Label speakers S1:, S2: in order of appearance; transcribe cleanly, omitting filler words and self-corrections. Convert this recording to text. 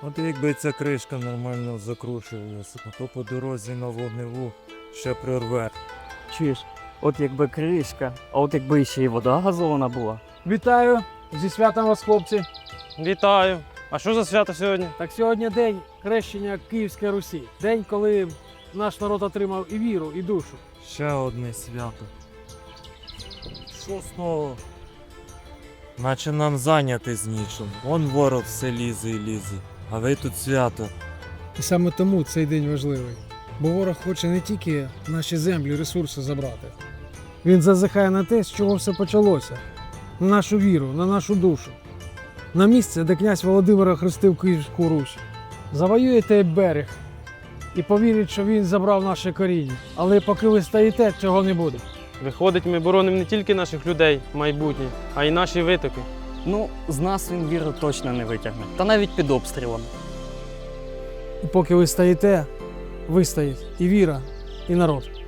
S1: От якби ця кришка нормально закручувалася, то по дорозі на вогневу ще прорве.
S2: Чуєш, от якби кришка, а от якби ще й вода газована була.
S3: Вітаю! Зі святом вас, хлопці!
S4: Вітаю! А що за свято сьогодні?
S3: Так сьогодні день хрещення Київської Русі. День, коли наш народ отримав і віру, і душу.
S1: Ще одне свято. Що знову? Наче нам зайняти з нічим. Вон ворог все лізе і лізе. А ви тут свято.
S5: І саме тому цей день важливий. Бо ворог хоче не тільки наші землі, ресурси забрати.
S3: Він зазихає на те, з чого все почалося. На нашу віру, на нашу душу. На місце, де князь Володимир охрестив Київську Русь. Завоює той берег і повірить, що він забрав наше коріння. Але поки ви стоїте, цього не буде.
S4: Виходить, ми боронимо не тільки наших людей, майбутнє, а й наші витоки.
S2: Ну, з нас він віру точно не витягне. Та навіть під обстрілами.
S3: І поки ви стоїте, вистоїть і віра, і народ.